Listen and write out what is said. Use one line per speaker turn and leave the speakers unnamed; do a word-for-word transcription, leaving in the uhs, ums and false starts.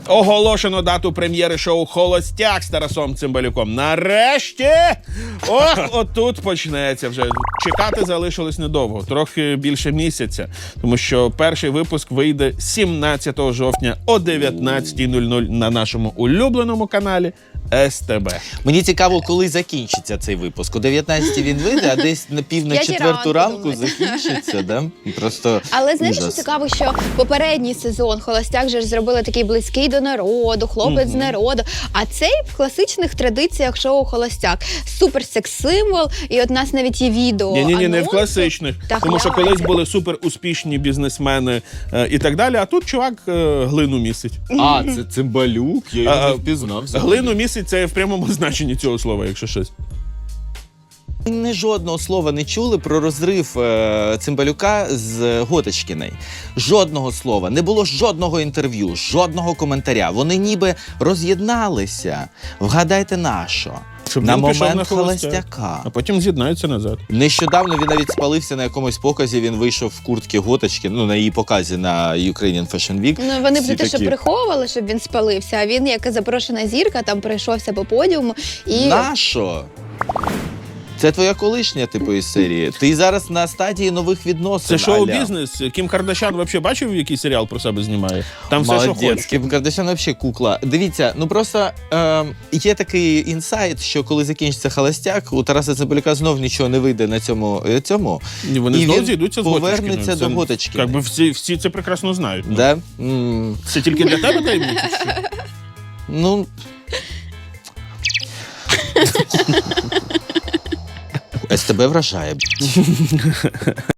Оголошено дату прем'єри шоу «Холостяк» з Тарасом Цимбалюком. Нарешті! Ох, отут почнеться вже. Чекати залишилось недовго, трохи більше місяця. Тому що перший випуск вийде сімнадцятого жовтня о дев'ятнадцятій нуль нуль на нашому улюбленому каналі ес те бе.
Мені цікаво, коли закінчиться цей випуск. О дев'ятнадцятій він вийде, а десь на пів на
П'ятій
четверту
ранку,
ранку закінчиться, да? Просто
Але знаєш, що
ужас.
цікаво, що попередній сезон «Холостяк» же ж зробили такий близький до народу, хлопець з народу. А цей в класичних традиціях шоу «Холостяк». Супер секс-символ, і от у нас навіть є відео.
Ні-ні-ні, не в
анонсу.
класичних.
Так,
тому що
гляньте.
колись були супер успішні бізнесмени е, і так далі, а тут чувак е, глину місить.
А, це Цимбалюк, я його
А,
не впізнав.
Глину місить — це в прямому значенні цього слова, якщо щось.
Ми жодного слова не чули про розрив е, Цимбалюка з Готочкіною. Жодного слова. Не було жодного інтерв'ю, жодного коментаря. Вони ніби роз'єдналися. Вгадайте на що?
Щоб
На
він пішов
момент
на «Холостяк»,
«Холостяка».
а потім з'єднаються назад.
Нещодавно він навіть спалився на якомусь показі, він вийшов в куртці Готочки, ну, на її показі на Ukrainian Fashion Week.
Ну, вони б
Всі
не те, що
такі,
приховували, щоб він спалився, а він, як запрошена зірка, там пройшовся по подіуму. І...
Нащо? Це твоя колишня, типу, із серії. Ти зараз на стадії нових відносин.
Це
аля.
шоу-бізнес. Кім Кардашян взагалі бачив, який серіал про себе знімає? Там все, що
Молодець,
хочеш.
Кім Кардашян взагалі кукла. Дивіться, ну просто е, є такий інсайт, що коли закінчиться «Холостяк», у Тараса Цимбалюка знов нічого не вийде на цьому. е, цьому
І вони
і
знову
він
зійдуться з
повернеться
Готочкіною.
до
Це,
Готочкіної.
Якби всі, всі це прекрасно знають. Ну.
Да? М,
Це тільки для тебе таємниця? чи що?
Ну... ес те бе вражає.